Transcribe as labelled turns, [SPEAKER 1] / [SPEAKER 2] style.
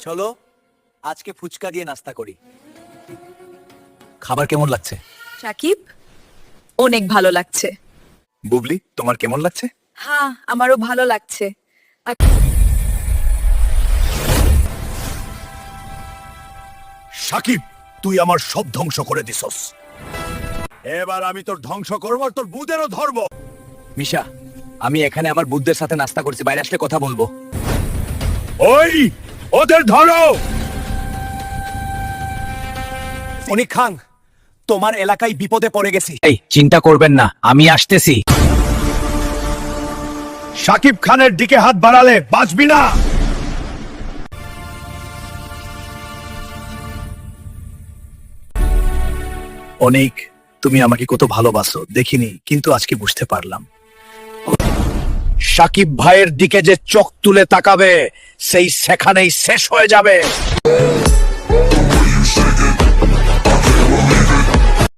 [SPEAKER 1] চলো আজকে ফুচকা দিয়ে নাস্তা করি। খাবার কেমন লাগছে?
[SPEAKER 2] সাকিব, অনেক ভালো লাগছে।
[SPEAKER 1] বুবলি, তোমার কেমন লাগছে?
[SPEAKER 2] হ্যাঁ, আমারও ভালো লাগছে।
[SPEAKER 1] সাকিব, তুই আমার সব ধ্বংস করে দিছস। এবার আমি তোর ধ্বংস করব, তোর বুদেরও ধরব। মিশা, আমি এখানে আমার বুদ্ধের সাথে নাস্তা করছি, বাইরে আসলে কথা বলবো। ওই ওদের ধরো। অনিক খান, তোমার এলাকায় বিপদে পড়ে গেছি। এই চিন্তা করবেন না, আমি আসতেছি। সাকিব খানের দিকে হাত বাড়ালে বাঁচবি না। অনেক, তুমি আমাকে কত ভালোবাসো দেখিনি, কিন্তু আজকে বুঝতে পারলাম। সাকিব ভাইয়ের দিকে যে চোখ তুলে তাকাবে, সেই সেখানেই শেষ হয়ে যাবে।